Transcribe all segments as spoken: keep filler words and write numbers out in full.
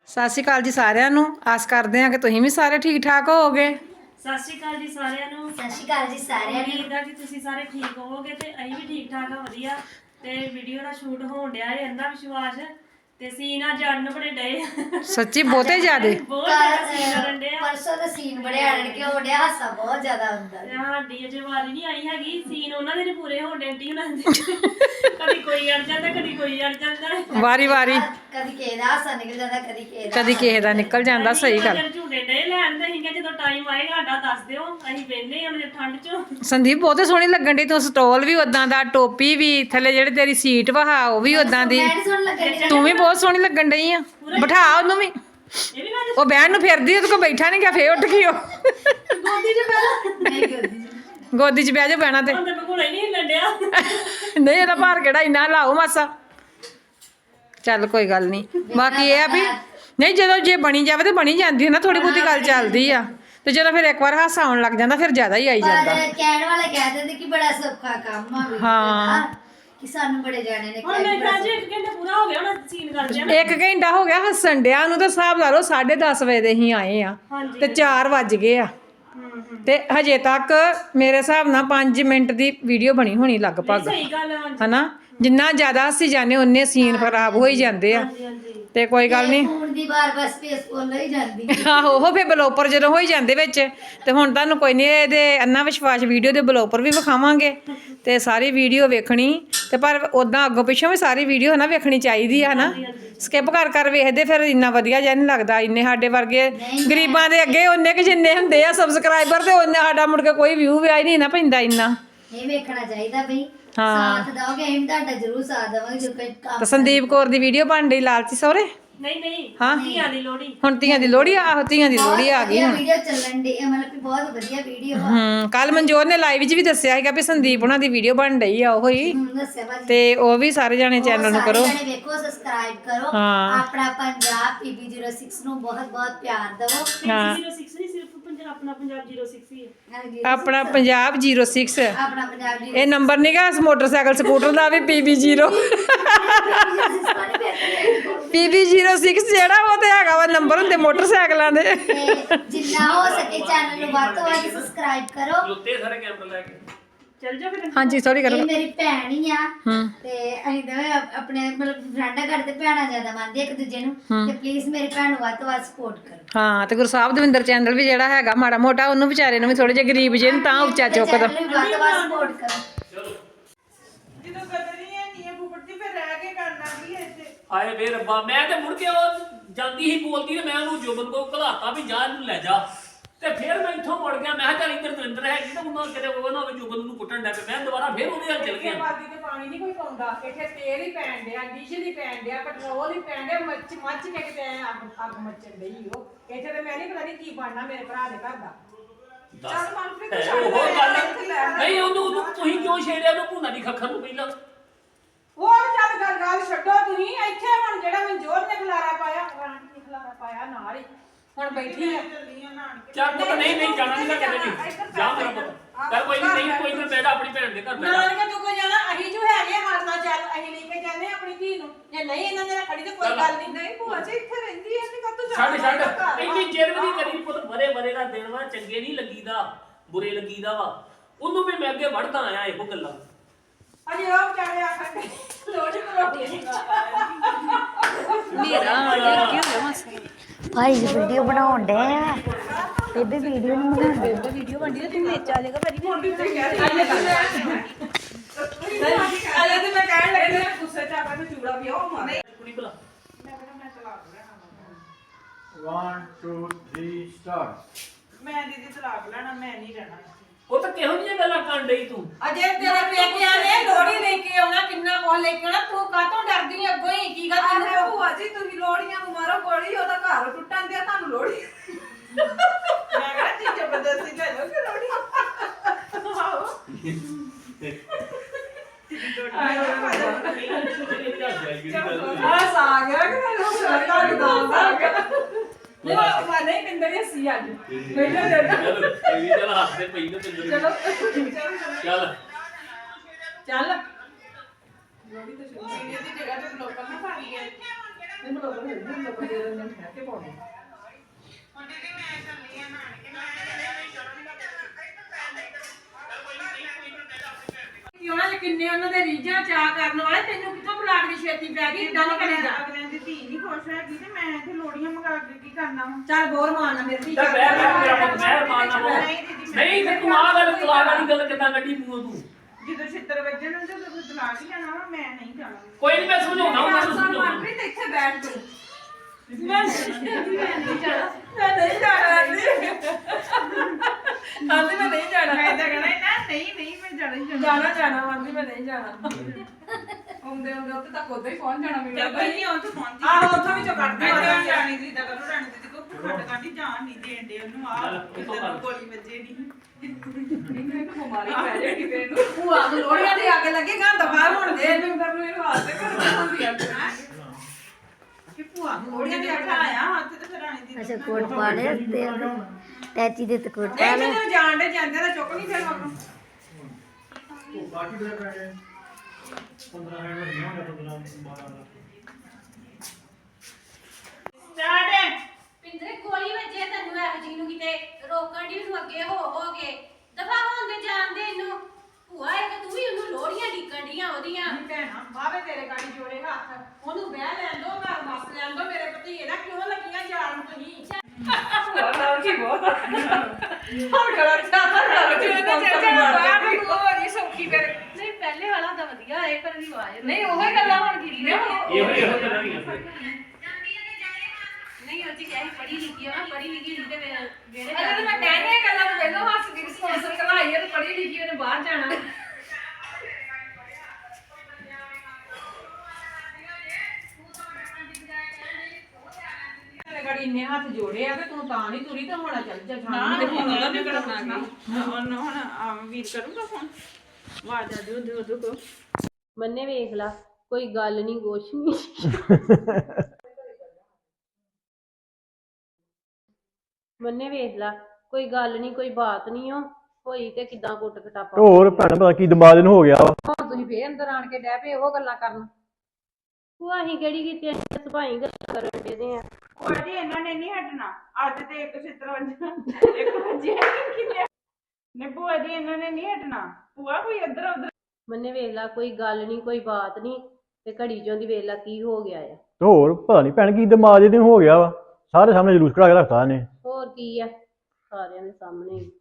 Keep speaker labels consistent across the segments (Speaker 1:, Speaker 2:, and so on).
Speaker 1: ਸਤਿ ਸ਼੍ਰੀ ਅਕਾਲ ਜੀ ਸਾਰਿਆਂ ਨੂੰ। ਆਸ ਕਰਦੇ ਹਾਂ ਕਿ ਤੁਸੀਂ ਵੀ ਸਾਰੇ ਠੀਕ ਠਾਕ ਹੋਵੋਗੇ।
Speaker 2: ਸਤਿ ਸ਼੍ਰੀ ਅਕਾਲ ਜੀ ਸਾਰਿਆਂ ਨੂੰ।
Speaker 3: ਸਤਿ ਸ਼੍ਰੀ ਅਕਾਲ ਜੀ ਸਾਰਿਆਂ ਨੂੰ।
Speaker 2: ਉਮੀਦ ਹੈ ਕਿ ਤੁਸੀਂ ਸਾਰੇ ਠੀਕ ਹੋਵੋਗੇ ਤੇ ਅਸੀਂ ਵੀ ਠੀਕ ਠਾਕ ਆ ਵਧੀਆ। ਤੇ ਵੀਡੀਓ ਦਾ ਸ਼ੂਟ ਹੋਣ ਡਿਆ ਹੈ, ਅੰਦਾ ਵਿਸ਼ਵਾਸ ਤੇ ਸੀਨ ਆ ਜਾਣ ਬੜੇ ਡਏ
Speaker 1: ਸੱਚੀ ਬਹੁਤੇ ਜ਼ਿਆਦੇ
Speaker 2: ਬਹੁਤ ਜ਼ਿਆਦਾ ਸੀਨ ਕਰਨ ਡਏ ਆ।
Speaker 3: ਪਰਸੋਂ ਦਾ ਸੀਨ ਬੜੇ ਆਣ ਕੇ ਹੋ ਡਿਆ, ਹਾਸਾ ਬਹੁਤ ਜ਼ਿਆਦਾ ਹੁੰਦਾ
Speaker 2: ਤੇ ਸਾਡੀ ਅਜੇ ਵਾਰੀ ਨਹੀਂ ਆਈ ਹੈਗੀ, ਸੀਨ ਉਹਨਾਂ ਦੇ ਨੀ ਪੂਰੇ ਹੋਣ ਡੇ ਆਂਟੀ ਉਹਨਾਂ ਦੇ ਕਦੀ ਕੋਈ ਅੜ ਜਾਂਦਾ ਕਦੀ ਕੋਈ ਅੜ ਜਾਂਦਾ
Speaker 1: ਵਾਰੀ ਵਾਰੀ
Speaker 3: ਕਦੀ ਕਿਸੇ ਦਾ ਹਾਸਾ ਨਿਕਲ ਜਾਂਦਾ, ਕਦੀ ਕਿਸੇ ਦਾ
Speaker 1: ਕਦੀ ਕਿਸੇ ਦਾ ਨਿਕਲ ਜਾਂਦਾ। ਸਹੀ ਗੱਲ।
Speaker 2: ਝੂਟੇ ਡੇ ਲੈਣ ਤੇ ਅਸੀਂ ਜਦੋਂ ਟਾਈਮ ਆਏਗਾ ਸਾਡਾ ਦੱਸ ਦਿਓ, ਅਸੀਂ ਵੇਨੇ ਹਾਂ ਠੰਡ ਚ।
Speaker 1: ਸੰਦੀਪ ਬਹੁਤੇ ਸੋਹਣੀ ਲੱਗਣ ਡਈ ਤੂੰ। ਸਟੋਲ ਵੀ ਉਦਾਂ ਦਾ, ਟੋਪੀ ਵੀ, ਥੱਲੇ ਜਿਹੜੀ ਤੇਰੀ ਸੀਟ ਵਾ ਉਹ ਵੀ ਉਦਾਂ ਦੀ।
Speaker 3: ਮੈਂ ਨੀ ਸੁਣ ਲੱਗਣ
Speaker 1: ਤੂੰ ਵੀ ਬਹੁਤ ਸੋਹਣੀ ਲੱਗਣ ਡਈ ਆ। ਬਿਠਾ ਉਹਨੂੰ ਵੀ।
Speaker 2: ਇਹ ਵੀ ਮੈਂ
Speaker 1: ਉਹ ਬਹਿਣ ਨੂੰ ਫਿਰਦੀ ਉਹਦੇ ਕੋਲ ਬੈਠਾ ਨਹੀਂ ਗਿਆ, ਫੇਰ ਉੱਠ ਗਈ ਉਹ।
Speaker 2: ਗੋਦੀ ਚ ਪਹਿਲਾਂ
Speaker 3: ਨਹੀਂ ਕਰਦੀ
Speaker 1: ਗੋਦੀ 'ਚ ਬਹਿ ਜਾ ਬਹਿਣਾ ਤੇ।
Speaker 2: ਹੁਣ ਤੇ ਕੋਲ ਹੀ ਨਹੀਂ ਹਿੱਲਣ ਡਿਆ।
Speaker 1: ਨਹੀਂ ਇਹਦਾ ਭਾਰ ਕਿਹੜਾ ਇੰਨਾ ਲਾਓ ਮਾਸਾ। ਚੱਲ ਕੋਈ ਗੱਲ ਨਹੀਂ। ਬਾਕੀ ਇਹ ਆ ਵੀ ਨਹੀਂ, ਜਦੋਂ ਜੇ ਬਣੀ ਜਾਵੇ ਤੇ ਬਣੀ ਜਾਂਦੀ ਹੈ ਨਾ, ਥੋੜੀ ਬਹੁਤੀ ਗੱਲ ਚੱਲਦੀ ਆ। ਤੇ ਜਦੋਂ ਫਿਰ ਇੱਕ ਵਾਰ ਹਾਸਾ ਆਉਣ ਲੱਗ ਜਾਂਦਾ ਫਿਰ ਜ਼ਿਆਦਾ ਹੀ ਆਈ ਜਾਂਦਾ।
Speaker 3: ਪਰ ਕਹਿਣ ਵਾਲੇ ਕਹਿ ਦਿੰਦੇ ਕਿ ਬੜਾ ਸੌਖਾ ਕੰਮ ਆ ਵੀ
Speaker 1: ਹਾਂ।
Speaker 3: ਕਿ ਸਾਨੂੰ ਬੜੇ ਜਾਣੇ ਨੇ
Speaker 2: ਹੁਣ ਮੇਰੇ ਖਿਆਲ ਚ ਇੱਕ ਘੰਟਾ ਪੂਰਾ ਹੋ ਗਿਆ ਹੁਣ ਸੀਨ ਕਰਦੇ ਆ।
Speaker 1: ਇੱਕ ਘੰਟਾ ਹੋ ਗਿਆ ਹੱਸਣ ਡਿਆ ਨੂੰ, ਤੇ ਹਿਸਾਬ ਲਾ ਲਓ ਸਾਢੇ ਦਸ ਵਜੇ ਦੇ ਹੀ ਆਏ ਆ
Speaker 2: ਹਾਂਜੀ।
Speaker 1: ਤੇ ਚਾਰ ਵੱਜ ਗਏ ਆ। ਤੇ ਹਜੇ ਤੱਕ ਮੇਰੇ ਹਿਸਾਬ ਨਾਲ ਪੰਜ ਮਿੰਟ ਦੀ ਵੀਡੀਓ ਬਣੀ ਹੋਣੀ ਲਗਭਗ,
Speaker 2: ਸਹੀ ਗੱਲ ਆ। ਹਾਂਜੀ
Speaker 1: ਹਨਾ। ਜਿੰਨਾ ਜ਼ਿਆਦਾ ਅਸੀਂ ਜਾਣੇ ਉਨੇ ਸੀਨ ਖਰਾਬ ਹੋ ਹੀ ਜਾਂਦੇ ਆ।
Speaker 2: ਹਾਂਜੀ
Speaker 1: ਤੇ ਕੋਈ ਗੱਲ ਨਹੀਂ।
Speaker 3: ਫੋਨ ਦੀ ਵਾਰ ਬਸ ਸਪੇਸ ਫੁੱਲ ਹੀ ਜਾਂਦੀ
Speaker 1: ਆਹੋ ਉਹ ਫੇ ਬਲੋਪਰ ਜਦੋਂ ਹੋਈ ਜਾਂਦੇ ਵਿੱਚ। ਤੇ ਹੁਣ ਤੁਹਾਨੂੰ ਕੋਈ ਨਹੀਂ ਇਹਦੇ ਅੰਨਾ ਵਿਸ਼ਵਾਸ ਵੀਡੀਓ ਦੇ ਬਲੋਪਰ ਵੀ ਵਿਖਾਵਾਂਗੇ ਤੇ ਸਾਰੀ ਵੀਡੀਓ ਵੇਖਣੀ। ਤੇ ਪਰ ਉਦਾਂ ਅੱਗੋਂ ਪਿੱਛੋਂ ਵੀ ਸਾਰੀ ਵੀਡੀਓ ਹਨਾ ਵੇਖਣੀ ਚਾਹੀਦੀ ਆ ਹਨਾ। ਸਕਿਪ ਕਰ ਕਰ ਵੇਖਦੇ ਫਿਰ ਇੰਨਾ ਵਧੀਆ ਜਿਹਾ ਨਹੀਂ ਲੱਗਦਾ। ਇੰਨੇ ਸਾਡੇ ਵਰਗੇ ਗਰੀਬਾਂ ਦੇ ਅੱਗੇ ਉਹਨੇ ਕਿ ਜਿੰਨੇ ਹੁੰਦੇ ਆ ਸਬਸਕ੍ਰਾਈਬਰ, ਤੇ ਉਹਨੇ ਸਾਡਾ ਮੁੜ ਕੇ ਕੋਈ ਵਿਊ ਵੀ ਆਈ ਨਹੀਂ ਨਾ ਪੈਂਦਾ ਇੰਨਾ।
Speaker 3: ਇਹ ਵੇਖਣਾ ਚਾਹੀਦਾ ਬਈ।
Speaker 1: ਹਾਂ।
Speaker 3: ਸਾਥ ਦਓਗੇ ਅਸੀਂ ਤੁਹਾਡਾ ਜ਼ਰੂਰ ਸਾਥ ਦੇਵਾਂਗੇ ਜੋ ਕੋਈ ਕੰਮ।
Speaker 1: ਤਾਂ ਸੰਦੀਪ ਕੌਰ ਦੀ ਵੀਡੀਓ ਬਣ ਰਹੀ ਲਾਲਚੀ ਸਹੁਰੇ।
Speaker 2: ਨਹੀਂ ਨਹੀਂ
Speaker 1: ਹਾਂ।
Speaker 2: ਧੀਆਂ ਦੀ ਲੋੜੀ।
Speaker 1: ਹੁਣ ਧੀਆਂ ਦੀ ਲੋਹੜੀ ਆ। ਆਹੋ ਧੀਆਂ ਦੀ ਲੋਹੜੀ ਆ ਗਈ ਹੁਣ।
Speaker 3: ਵੀਡੀਓ ਚੱਲਣ ਦੀ ਮਤਲਬ ਕਿ ਬਹੁਤ ਵਧੀਆ ਵੀਡੀਓ ਆ।
Speaker 1: ਹੂੰ। ਕੱਲ ਮਨਜੋਤ ਨੇ ਲਾਈਵ 'ਚ ਵੀ ਦੱਸਿਆ ਸੀਗਾ ਵੀ ਸੰਦੀਪ ਉਹਨਾਂ ਦੀ ਵੀਡੀਓ ਬਣ ਰਹੀ ਆ ਉਹ ਹੀ।
Speaker 3: ਹੁਣ ਦੱਸਿਆ ਭਾਜੀ।
Speaker 1: ਤੇ ਉਹ ਵੀ ਸਾਰੇ ਜਾਣੇ ਚੈਨਲ ਨੂੰ ਕਰੋ।
Speaker 3: ਸਾਰੇ ਜਾਣੇ ਵੇਖੋ, ਸਬਸਕ੍ਰਾਈਬ ਕਰੋ।
Speaker 1: ਹਾਂ।
Speaker 3: ਆਪਣਾ Punjab P B zero six ਨੂੰ ਬਹੁਤ ਬਹੁਤ ਪਿਆਰ ਦਿਵੋ।
Speaker 1: ਹਾਂ।
Speaker 2: ਜ਼ੀਰੋ ਸਿਕਸ ਨਹੀਂ, ਸਿਰਫ ਪੰਜਾਬ ਆਪਣਾ ਪੰਜਾਬ ਜ਼ੀਰੋ ਸਿਕਸ ਹੀ ਹੈ।
Speaker 1: ਆਪਣਾ ਪੰਜਾਬ ਜ਼ੀਰੋ ਸਿਕਸ।
Speaker 3: ਆਪਣਾ ਪੰਜਾਬ
Speaker 1: ਇਹ ਨੰਬਰ ਨਹੀਂਗਾ ਮੋਟਰਸਾਈਕਲ ਸਕੂਟਰ ਦਾ ਵੀ PB zero PB zero six ਜਿਹੜਾ ਉਹ ਤੇ ਹੈਗਾ ਵਾ ਨੰਬਰ ਹੁੰਦੇ ਮੋਟਰਸਾਈਕਲਾਂ ਦੇ।
Speaker 3: ਜਿੰਨਾ ਹੋ ਸਕੇ ਚੈਨਲ ਨੂੰ ਵੱਧ ਤੋਂ ਵੱਧ ਸਬਸਕ੍ਰਾਈਬ ਕਰੋ।
Speaker 2: ਲੁੱਤੇ ਸਾਰੇ ਕੈਮਰਾ ਲੈ ਕੇ ਚੱਲ ਜਾ ਫਿਰ।
Speaker 1: ਹਾਂਜੀ ਸੌਰੀ ਕਰੋ।
Speaker 3: ਇਹ ਮੇਰੀ ਭੈਣ ਹੀ ਆ
Speaker 1: ਹੂੰ।
Speaker 3: ਤੇ ਅਸੀਂ ਦੋਵੇਂ ਆਪਣੇ ਮਤਲਬ ਫਰੈਂਡਾਂ ਕਰਦੇ ਭੈਣਾਂ ਜ਼ਿਆਦਾ ਮੰਨਦੇ ਇੱਕ ਦੂਜੇ ਨੂੰ। ਤੇ ਪਲੀਜ਼ ਮੇਰੀ ਭੈਣ ਨੂੰ ਵੱਧ ਤੋਂ ਵੱਧ ਸਪੋਰਟ ਕਰੋ।
Speaker 1: ਹਾਂ। ਤੇ ਗੁਰਸਾਹਿਬ ਦਵਿੰਦਰ ਚੈਨਲ ਵੀ ਜਿਹੜਾ ਹੈਗਾ ਮਾੜਾ ਮੋਟਾ ਉਹਨੂੰ ਵਿਚਾਰੇ ਨੂੰ ਵੀ ਥੋੜੇ ਜਿਹੇ ਗਰੀਬ ਜਿਹੇ ਨੂੰ ਤਾਂ ਉੱਚਾ ਚੁੱਕਦਾ।
Speaker 3: ਚੈਨਲ ਨੂੰ ਵੱਧ ਤੋਂ ਵੱਧ ਸਪੋਰਟ ਕਰੋ।
Speaker 4: ਜਦੋਂ ਕਦਰ ਹੀ ਹੈ ਨਹੀਂ ਬੁੱਬੜੀ ਫਿਰ ਰਹਿ ਕੇ ਕਰਨਾ ਕੀ ਹੈ ਇੱਥੇ।
Speaker 5: ਹਾਏ ਵੇ ਰੱਬਾ, ਮੈਂ ਤੇ ਮੁੜ ਕੇ ਉਹ ਜਾਂਦੀ ਹੀ ਬੋਲਦੀ ਤੇ ਮੈਂ ਉਹਨੂੰ ਜੁਬਨ ਕੋ ਘਲਾਤਾ ਵੀ ਜਾ ਇਹਨੂੰ ਲੈ ਜਾ। ਤੇ ਫਿਰ ਮੈਂ ਇੱਥੋਂ ਮੁੜ ਗਿਆ। ਮੈਂ ਕਿਹਾ ਚੱਲ ਇੱਧਰ ਦਵਿੰਦਰ ਹੈਗੀ ਤਾਂ ਉਹਨਾਂ ਕਿਤੇ ਉਹ ਨਾ ਹੋਵੇ ਜੁਬਨ ਨੂੰ ਕੁੱਟਣ ਲੱਗ ਪਿਆ। ਮੈਂ ਦੁਬਾਰਾ ਫਿਰ ਉਹਦੇ ਨਾਲ ਚਲ ਗਿਆ।
Speaker 4: ਬਾਦੀ ਤੇ ਪਾਣੀ ਨਹੀਂ ਕੋਈ ਪਾਉਂਦਾ, ਇੱਥੇ ਤੇਲ ਹੀ ਪੈਣ ਡਿਆ, ਡੀਜ਼ਲ ਹੀ ਪੈਣ ਡਿਆ, ਪੈਟਰੋਲ ਹੀ ਪੈਣ ਡਿਆ, ਮੱਚ ਮੱਚ ਕੇ ਕਿਤੇ ਐਂ ਅੱਗ ਅੱਗ ਮੱਚਣ ਡਈ ਉਹ। ਇੱਥੇ ਤੇ ਮੈਂ ਨਹੀਂ ਪਤਾ ਨਹੀਂ ਕੀ ਬਣਨਾ ਮੇਰੇ ਭਰਾ ਦੇ ਘਰ ਦਾ। ਚੱਲ ਮਨਪ੍ਰੀਤ ਤੂੰ ਛੱਡ
Speaker 5: ਉਹ ਗੱਲ
Speaker 4: ਇੱਥੇ ਲੈ ਆ।
Speaker 5: ਨਹੀਂ, ਉਹਨੂੰ ਉਹਨੂੰ ਤੁਸੀਂ ਕਿਉਂ ਛੇੜਿਆ ਉਹਨੂੰ ਭੂਨਾ ਦੀ ਖੱਖਰ ਨੂੰ ਪਹਿਲਾਂ।
Speaker 4: ਹੋਰ ਚੱਲ ਗੱਲ ਗੱਲ ਛੱਡੋ ਤੁਸੀਂ। ਇੱਥੇ ਹੁਣ ਜਿਹੜਾ ਮਨਜੋਤ ਨੇ ਖਲਾਰਾ ਪਾਇਆ, ਰਾਣੀ ਨੇ ਖਲਾਰਾ ਪਾਇਆ ਨਾਲ ਹੀ ਹੁਣ ਬੈਠੀ ਹੈ।
Speaker 5: ਚੱਲ ਪੁੱਤ ਨਹੀਂ ਨਹੀਂ ਜਾਣਾ ਨਹੀਂ ਕਿਤੇ ਵੀ। ਜਾ ਮੇਰਾ ਪੁੱਤ। ਚੱਲ ਕੋਈ ਨਹੀਂ ਕੋਈ ਨਹੀਂ ਬੈਠਾ ਆਪਣੀ ਭੈਣ ਦੇ ਘਰ ਬੈਠਾ।
Speaker 4: ਨਾਨਕੇ ਤੂੰ ਕੋ ਜਾਣਾ, ਅਸੀਂ ਜੋ ਹੈਗੇ ਹੱਥ ਨਾਲ ਚੱਲ ਅਸੀਂ ਲੈ ਕੇ ਜਾਂਦੇ ਆਪਣੀ ਧੀ ਨੂੰ। ਜੇ ਨਹੀਂ ਇਹਨਾਂ ਦੇ ਖੜੀ ਤੇ ਕੋਈ ਗੱਲ ਨਹੀਂ। ਨਹੀਂ ਭੂਆ ਜੀ ਇੱਥੇ ਰਹਿੰਦੀ ਐ ਤੇ ਕਦੋਂ
Speaker 5: ਛੱਡ ਛੱਡ ਇੰਨੀ ਜੇਰ ਵੀ ਨਹੀਂ ਕਰੀ ਪੁੱਤ। ਬਰੇ ਬਰੇ ਦਾ ਦਿਨ ਵਾ, ਚੰਗੇ ਨਹੀਂ ਲੱਗੀਦਾ, ਬੁਰੇ ਲੱਗੀਦਾ ਵਾ। ਉਹਨੂੰ ਵੀ ਮੈਂ ਅੱਗੇ ਵੜਦਾ ਆਇਆ ਇਹੋ ਗੱਲਾਂ।
Speaker 4: ਅਜੇ ਉਹ ਵਿਚਾਰੇ ਆਖਣ ਲੋੜੀ ਰੋਟੀ ਨਹੀਂ
Speaker 3: ਭਾਈ ਜੀ ਵੀਡੀਓ ਬਣਾਉਣ ਦੇ ਆ। ਬੇਬੇ ਵੀਡੀਓ ਨਹੀਂ ਬਣਾਉਂਦੇ।
Speaker 4: ਆ ਜਾ ਤੇ ਮੈਂ ਕਹਿਣ ਲੱਗੀ ਨਾ ਗੁੱਸੇ ਚ ਆ ਕੇ ਚੂੜਾ ਵੀ ਉਹ ਮਾਰੇ
Speaker 5: ਕੁੜੀ ਭਲਾ
Speaker 4: ਮੈਂ ਤਲਾਕ ਲੈਣਾ।
Speaker 6: One, two, three, start.
Speaker 4: ਮੈਂ ਦੀਦੀ ਤਲਾਕ ਲੈਣਾ, ਮੈਂ ਨਹੀਂ ਰਹਿਣਾ।
Speaker 5: ਉਹ ਤਾਂ ਕਿਹੋ ਜਿਹੀਆਂ ਗੱਲਾਂ ਕਰਨ ਡਈ ਤੂੰ।
Speaker 4: ਅਜੇ ਤੇਰੇ ਪੇਕਿਆਂ ਨੇ ਲੋੜੀ ਲੈ ਕੇ ਆਉਣਾ, ਕਿੰਨਾ ਕੁਝ ਲੈ ਕੇ ਆਉਣਾ, ਤੂੰ ਕਾਹਤੋਂ ਡਰਦੀ ਆਂ ਅੱਗੋਂ ਹੀ? ਕੀ ਗੱਲ ਤੈਨੂੰ? ਭੂਆ ਜੀ ਤੁਸੀਂ ਲੋੜੀਆਂ ਨੂੰ ਮਾਰੋ ਗੋਲੀ, ਉਹਦਾ ਘਰ ਟੁੱਟਣ ਦਿਆ, ਤੁਹਾਨੂੰ ਲੋੜੀ ਮੈਂ ਕਿਹਾ ਜੀ ਜ਼ਬਰਦਸਤੀ ਲੈ ਲਓ ਕਿ ਲੋੜੀ ਆਓ ਆ ਆ ਗਿਆ ਕਿ ਮੈਨੂੰ ਸਰਕਾਰ ਦਾ ਆ ਗਿਆ। ਉਹ ਮੈਂ ਨਹੀਂ ਪਿੰਦਰ ਸੀ ਅੱਜ ਬੈਠੋ
Speaker 5: ਚਲੋ ਇਹ ਵੀ ਚੱਲ ਹੱਸਦੇ ਪਈ ਨਾ ਤੰਦਰੀ।
Speaker 4: ਚਲੋ
Speaker 5: ਚੱਲ
Speaker 4: ਚੱਲ ਲੋੜੀ ਤੇ ਸ਼ੁਰੂ ਦੀ ਜਗ੍ਹਾ ਤੇ ਲੋਕਾਂ ਨੇ ਪਾ ਲਈ ਹੈ। ਇਹਨੂੰ ਲੋਕਾਂ ਨੂੰ ਇਹਨੂੰ ਲੋਕਾਂ ਦੇ ਨੇ ਠਹਿਰ ਕੇ ਪਾਉਣੀ ਉਹਨਾਂ ਦੇ ਕਿੰਨੇ ਉਹਨਾਂ ਦੇ ਰੀਝਾਂ ਚਾਹ ਕਰਨ ਵਾਲੇ ਤੈਨੂੰ ਕਿੱਥੋਂ ਬੁਲਾ ਕੇ ਛੇਤੀ ਪੈ ਗਈ ਇਦਾਂ ਨਹੀਂ ਕਰੀਦਾ
Speaker 7: ਅਗਲਿਆਂ ਦੀ ਧੀ ਨਹੀਂ ਖੁਸ਼ ਹੈਗੀ ਤੇ ਮੈਂ ਇੱਥੇ ਲੋੜੀਆਂ ਮੰਗਾ ਕੇ ਕੀ ਕਰਨਾ ਵਾ
Speaker 4: ਚੱਲ ਬੋਰ ਮਾਰਨਾ ਮੇਰੀ ਧੀ
Speaker 5: ਤਾਂ ਮੈਂ ਮੈਂ ਮੇਰਾ ਪੁੱਤ ਮੈਂ ਮਾਰਨਾ ਵਾ
Speaker 7: ਨਹੀਂ ਦੀਦੀ,
Speaker 5: ਨਹੀਂ ਤੇ ਤੂੰ ਆਹ ਗੱਲ ਤਲਾਕ ਵਾਲੀ ਗੱਲ ਕਿੱਦਾਂ ਕੱਢੀ ਮੂੰਹੋਂ ਤੂੰ
Speaker 7: ਜਦੋਂ ਛਿੱਤਰ ਵੱਜਣ ਨੂੰ ਜਦੋਂ ਕੋਈ ਤਲਾਕ ਹੀ ਜਾਣਾ ਵਾ ਮੈਂ ਨਹੀਂ ਜਾਣਾ
Speaker 5: ਕੋਈ ਨਹੀਂ ਮੈਂ ਸਮਝਾਉਣਾ ਮੈਂ
Speaker 4: ਸਾਨੂੰ
Speaker 5: ਸਮਝਾਉਣਾ
Speaker 4: ਮਨਪ੍ਰੀਤ ਇੱਥੇ ਬੈਠ ਤੂੰ ਮੈਂ ਨਹੀਂ ਜਾਣਾ ਮੈਂ ਨਹੀਂ ਜਾਣਾ ਆਂਦੀ ਆਂਦੀ ਮੈਂ ਨਹੀਂ ਜਾਣਾ
Speaker 7: ਮੈਂ ਤਾਂ ਕਹਣਾ ਨਾ ਨਹੀਂ ਨਹੀਂ ਮੈਂ ਜਾਣਾ ਹੀ ਜਾਣਾ
Speaker 4: ਜਾਣਾ ਜਾਣਾ ਆਂਦੀ ਮੈਂ ਨਹੀਂ ਜਾਣਾ ਆਉਂਦੇ ਆਉਂਦੇ ਉੱਥੇ ਤੱਕ ਉਦੋਂ ਹੀ ਪਹੁੰਚ ਜਾਣਾ
Speaker 7: ਤੇ
Speaker 4: ਮੈਨੂੰ
Speaker 7: ਕੋਈ ਨਹੀਂ ਉਹ ਤੋਂ ਪਹੁੰਚੀ
Speaker 4: ਆਹੋ ਉੱਥੋਂ ਵਿੱਚੋਂ ਕੱਢ ਦੇ
Speaker 7: ਮੈਂ ਰਾਣੀ ਦੀ ਦਾ ਕਰੋ ਰਾਣੀ ਦੀ ਕੋ ਖੱਟ ਕਾਂਡੀ ਜਾਣ ਨਹੀਂ ਦੇਣ ਦੇ ਉਹਨੂੰ ਆ
Speaker 5: ਚੱਲ, ਉੱਤੋਂ
Speaker 7: ਕਿਤੇ
Speaker 5: ਕਰ।
Speaker 7: ਗੋਲੀ ਵੱਜੇ ਨਹੀਂ
Speaker 4: ਬਿਮਾਰੀ ਪੈ ਜਾਏਗੀ ਫੇਰ ਨੂੰ ਭੂਆ ਨੂੰ ਲੋੜੀਆਂ ਦੀ ਅੱਗ ਲੱਗੇ ਗਾਂ ਦਫਾ ਹੋਣ ਦੇ ਇਹਨੂੰ ਫਿਰ ਨੂੰ ਇਹਨੂੰ ਹਾਸੇ ਕਰ ਹੁੰਦੀ ਆ
Speaker 7: ਕਿ ਭੂਆ ਨੂੰ ਲੋੜੀਆਂ ਦੇ ਬਿਠਾਇਆ ਹੱਥ ਤੇ ਫਿਰ ਰਾਣੀ ਦੀ
Speaker 3: ਅੱਛਾ ਕੋਟ ਪਾ ਲਿਆ ਤੇ ਟੈਚੀ ਦੇ ਤੇ ਕੋਟ ਪਾ
Speaker 4: ਨਹੀਂ
Speaker 3: ਲਿਆ
Speaker 4: ਜਦੋਂ ਜਾਣ ਦੇ ਜਾਂਦੇ ਤਾਂ ਚੁੱਕ ਨਹੀਂ ਫਿਰ ਮਗਰੋਂ
Speaker 6: ਉਹ ਬਾਕੀ ਬੜੇ ਪੈਣੇ ਪੰਦਰਾਂ ਹੈਂਡ ਹੋਈਆਂ ਹੋਣਗੀਆਂ, ਪੰਦਰਾਂ ਬਾਰਾਂ ਦਾ
Speaker 7: ਸਟਾਰਟ
Speaker 8: ਪਿੰਦਰੇ ਗੋਲੀ ਵੱਜੇ ਤੈਨੂੰ ਇਹੋ ਜਿਹੀ ਨੂੰ ਕਿਤੇ ਰੋਕਣ ਦੀ ਨੂੰ ਅੱਗੇ ਹੋ ਹੋ ਕੇ ਦਫਾ ਹੁੰਦੇ ਜਾਂਦੇ ਇਹਨੂੰ ਭੂਆ ਇਹ ਤੂੰ ਵੀ ਉਹਨੂੰ ਲੋੜੀਆਂ ਡਿੱਕਣ ਡੀਆਂ ਉਹਦੀਆਂ
Speaker 4: ਨਹੀਂ ਭੈਣਾ ਬਾਵੇ ਤੇਰੇ ਗਾੜੀ ਜੋੜੇ ਹੱਥ ਉਹਨੂੰ ਬਹਿ ਲੈਣ ਦੋ ਘਰ ਵਸ ਲੈਣ ਦੋ ਮੇਰੇ ਭਤੀਏ ਦਾ ਕਿਉਂ ਲੱਗੀਆਂ ਜਾਣ ਤੁਸੀਂ ਹੋਰ ਨਾਲ ਕੀ ਬਹੁਤ ਹੋਰ ਗਲਾ ਚਾਹਤਾ ਲੱਗ ਜੂਗਾ ਜਿਹੜਾ ਬਾਹਰ ਵੀ ਕੋਈ ਸੌਖੀ ਮੇਰੇ
Speaker 8: ਨਹੀਂ ਪਹਿਲੇ ਵਾਲਾ ਤਾਂ ਵਧੀਆ ਇਹ ਪਰ ਰਿਵਾਜ
Speaker 4: ਨਹੀਂ ਉਹ ਗੱਲਾਂ ਹੁਣ ਕੀਤੀਆਂ
Speaker 5: ਇਹੋ ਇਹੋ ਕਰਾਂਗੇ ਫਿਰ
Speaker 8: ਨਹੀਂ ਉਹ ਜੀ ਕਹੀ ਪੜੀ ਲਿਖੀ ਆ ਪੜੀ ਲਿਖੀ ਨਹੀਂ ਤੇ ਜਿਹੜੇ
Speaker 4: ਅਰੇ ਮੈਂ ਕਹਿੰਦੀ ਇਹ ਗੱਲਾਂ ਨੂੰ ਪਹਿਲਾਂ ਹੱਸਦੀ ਸਪਾਂਸਰ ਕਰਾਈ ਹੈ ਤੇ ਪੜ੍ਹੀ ਲਿਖੀ ਉਹਨੇ ਬਾਹਰ ਜਾਣਾ ਤੇਰੇ ਗਾੜੀ ਇੰਨੇ ਹੱਥ ਜੋੜੇ ਆ ਤੇ ਤੂੰ ਤਾਂ ਨਹੀਂ ਤੁਰੀ ਤੇ ਹੋਣਾ ਚੱਲ ਜਾ
Speaker 7: ਨਾ
Speaker 4: ਖਾਣ ਦੇ
Speaker 7: ਹੁਣ
Speaker 4: ਫੋਨ
Speaker 7: ਉਹਦਾ
Speaker 4: ਤੇ
Speaker 7: ਵੀ
Speaker 4: ਕਿਹੜਾ
Speaker 7: ਕਰਨਾ
Speaker 4: ਬਣਾਉਣਾ
Speaker 7: ਹੁਣ ਹੁਣ ਆ ਵੀਰ ਕਰੂਗਾ ਫੋਨ ਆਵਾਜ਼ ਆ ਦਿਓ ਦਿਓ ਦਿਓ
Speaker 8: ਮੰਨੇ ਵੇਖ ਲਾ ਕੋਈ ਗੱਲ ਨਹੀਂ ਕੁਛ ਨਹੀਂ ਮੰਨੇ ਵੇਖ ਲਾ ਕੋਈ ਗੱਲ ਨਹੀਂ ਕੋਈ ਬਾਤ ਨਹੀਂ ਹੋ ਹੋਈ ਤੇ ਕਿਦਾਂ ਕੁੱਟ ਕਟਾਪਾ
Speaker 6: ਹੋਰ ਭੈਣ ਪਤਾ ਕੀ ਦਿਮਾਗ ਨੂੰ ਹੋ ਗਿਆ ਵਾ
Speaker 1: ਹੁਣ ਤੁਸੀਂ ਫੇਰ ਅੰਦਰ ਆਣ ਕੇ ਡਹਿ ਪਏ ਉਹ ਗੱਲਾਂ ਕਰਨ
Speaker 8: ਉਹ ਅਸੀਂ ਕਿਹੜੀ ਕੀਤੀ ਅਸੀਂ ਸੁਭਾਈ ਗੱਲ ਕਰਨ ਦੇ ਆ
Speaker 7: ਉਹ ਜੀ ਇਹਨਾਂ ਨੇ ਨਹੀਂ ਹਟਣਾ ਅੱਜ ਤੇ ਇੱਕ ਛਿੱਤਰ ਵੱਜਣਾ ਇੱਕ ਵੱਜਿਆ ਕਿੰਨੇ ਨੇ ਭੂਆ ਜੀ ਇਹਨਾਂ ਨੇ ਨਹੀਂ ਹਟਣਾ ਭੂਆ ਕੋਈ ਇੱਧਰ ਉੱਧਰ
Speaker 8: ਮੰਨੇ ਵੇਖ ਲਾ ਕੋਈ ਗੱਲ ਨਹੀਂ ਕੋਈ ਬਾਤ ਨਹੀਂ ਤੇ ਘੜੀ ਚੋਂ ਦੀ ਵੇਖ ਲਾ ਕੀ ਹੋ ਗਿਆ ਆ
Speaker 6: ਤੇ ਹੋਰ ਪਤਾ ਨਹੀਂ ਭੈਣ ਕੀ ਦਿਮਾਗ ਇਹਦੇ ਨੂੰ ਹੋ ਗਿਆ ਵਾ ਸਾਰੇ ਸਾਹਮਣੇ ਜਲੂਸ ਕਢਾ ਕੇ ਰੱਖਤਾ ਇਹਨੇ
Speaker 8: ਹੋਰ ਕੀ ਆ ਸਾਰਿਆਂ ਦੇ ਸਾਹਮਣੇ ਹੀ।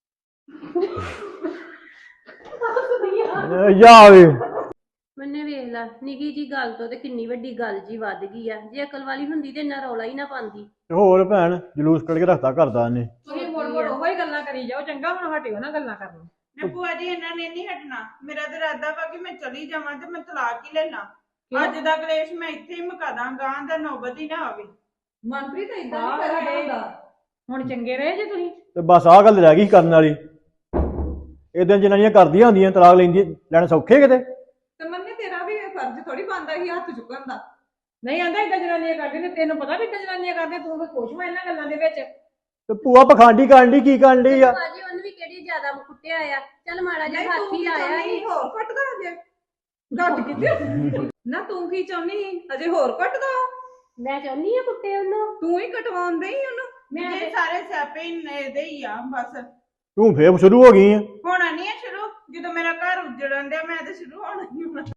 Speaker 6: ਜਾ ਵੇ
Speaker 8: ਮੰਨੇ ਵੇਖ ਲਾ ਨਿੱਕੀ ਜੀ ਗੱਲ ਤੋਂ ਤੇ ਕਿੰਨੀ ਵੱਡੀ ਗੱਲ ਜੀ ਵੱਧ ਗਈ ਆ ਜੇ ਅਕਲ ਵਾਲੀ ਹੁੰਦੀ ਤੇ ਇੰਨਾ ਰੌਲਾ ਹੀ ਨਾ ਪਾਉਂਦੀ
Speaker 6: ਤੇ ਹੋਰ ਭੈਣ ਜਲੂਸ ਕੱਢ ਕੇ ਰੱਖਤਾ ਕਰਦਾ ਇਹਨੇ
Speaker 1: ਤੁਸੀਂ ਮੁੜ ਮੁੜ ਉਹੋ ਹੀ ਗੱਲਾਂ ਕਰੀ ਜਾਓ ਚੰਗਾ ਹੁਣ ਹਟਿਓ ਨਾ ਗੱਲਾਂ ਕਰਨ
Speaker 7: ਨੇ ਭੂਆ ਜੀ ਇਹਨਾਂ ਨੇ ਨਹੀਂ ਹਟਣਾ ਮੇਰਾ ਤਾਂ ਇਰਾਦਾ ਵਾ ਕਿ ਮੈਂ ਚਲੀ ਜਾਵਾਂ ਤੇ ਮੈਂ ਤਲਾਕ ਹੀ ਲੈ ਲਾਂ ਅੱਜ ਦਾ ਕਲੇਸ਼ ਮੈਂ ਇੱਥੇ ਹੀ ਮੁਕਾ ਦਾਂ ਗਾਂ ਦਾ ਨੌਬਤ ਹੀ ਨਾ ਆਵੇ
Speaker 4: ਮਨਪ੍ਰੀਤ ਇਦਾਂ ਨਹੀਂ ਕਰਦਾ ਹੁੰਦਾ
Speaker 1: ਹੁਣ ਚੰਗੇ ਰਹੇ ਜੇ ਤੁਸੀਂ
Speaker 6: ਤੇ ਬਸ ਆਹ ਗੱਲ ਰਹਿ ਗਈ ਕਰਨ ਵਾਲੀ ਇਦਾਂ ਜਨਾਨੀਆਂ ਕਰਦੀਆਂ ਹੁੰਦੀਆਂ ਤਲਾਕ ਲੈਂਦੀ ਲੈਣ ਸੌਖੇ ਕਿਤੇ
Speaker 4: ਤੇ ਮੰਨੇ ਤੇਰਾ ਵੀ ਫਰਜ਼ ਥੋੜੀ ਬਣਦਾ ਸੀ ਹੱਥ ਚੁੱਕਣ ਦਾ
Speaker 1: ਨਹੀਂ ਆਂਦਾ ਇਦਾਂ ਜਨਾਨੀਆਂ ਕਰਦੇ ਨੇ ਤੈਨੂੰ ਪਤਾ ਵੀ ਇਦਾਂ ਜਨਾਨੀਆਂ ਕਰਦੇ ਤੂੰ ਕੋਈ ਖੁਸ਼ ਹੋਇਆ ਇਹਨਾਂ ਗੱਲਾਂ ਦੇ ਵਿੱਚ
Speaker 6: ਤੇ ਭੂਆ ਪਖੰਡੀ ਕਰਨ ਦੀ ਕੀ ਕਰਨ ਡਈ ਆ
Speaker 8: ਬਾਜੀ ਉਹਨੂੰ ਵੀ ਕਿਹੜੀ ਜ਼ਿਆਦਾ ਕੁੱਟਿਆ ਆ ਚੱਲ ਮਾੜਾ
Speaker 4: ਨਹੀਂ
Speaker 8: ਜਿਹਾ ਹੱਥ
Speaker 4: ਤੂੰ
Speaker 8: ਹੀ
Speaker 4: ਕੀ
Speaker 8: ਲਾਇਆ
Speaker 4: ਚਾਹੁੰਦੀ
Speaker 8: ਸੀ।
Speaker 4: ਹੋਰ ਕੱਟਦਾ ਅਜੇ ਘੱਟ ਕਿਤੇ ਨਾ ਤੂੰ ਕੀ ਚਾਹੁੰਦੀ ਅਜੇ ਹੋਰ ਕੱਟਦਾ
Speaker 8: ਮੈਂ ਚਾਹੁੰਦੀ ਆ ਕੁੱਟੇ ਉਹਨੂੰ
Speaker 4: ਤੂੰ ਹੀ ਕਟਵਾਉਂਦੇ ਹੀ ਉਹਨੂੰ
Speaker 8: ਮੈਂ
Speaker 7: ਇਹ ਸਾਰੇ ਸਿਆਪੇ ਇਹਦੇ ਹੀ ਆ ਬਸ
Speaker 6: ਤੂੰ ਫੇਰ ਸ਼ੁਰੂ ਹੋ ਗਈ ਆ
Speaker 7: ਹੋਣਾ ਨਹੀਂ ਹੈ ਸ਼ੁਰੂ ਜਦੋਂ ਮੇਰਾ ਘਰ ਉੱਜੜਨ ਡਿਆ ਮੈਂ ਤੇ ਸ਼ੁਰੂ ਹੋਣਾ ਹੀ ਹੋਣਾ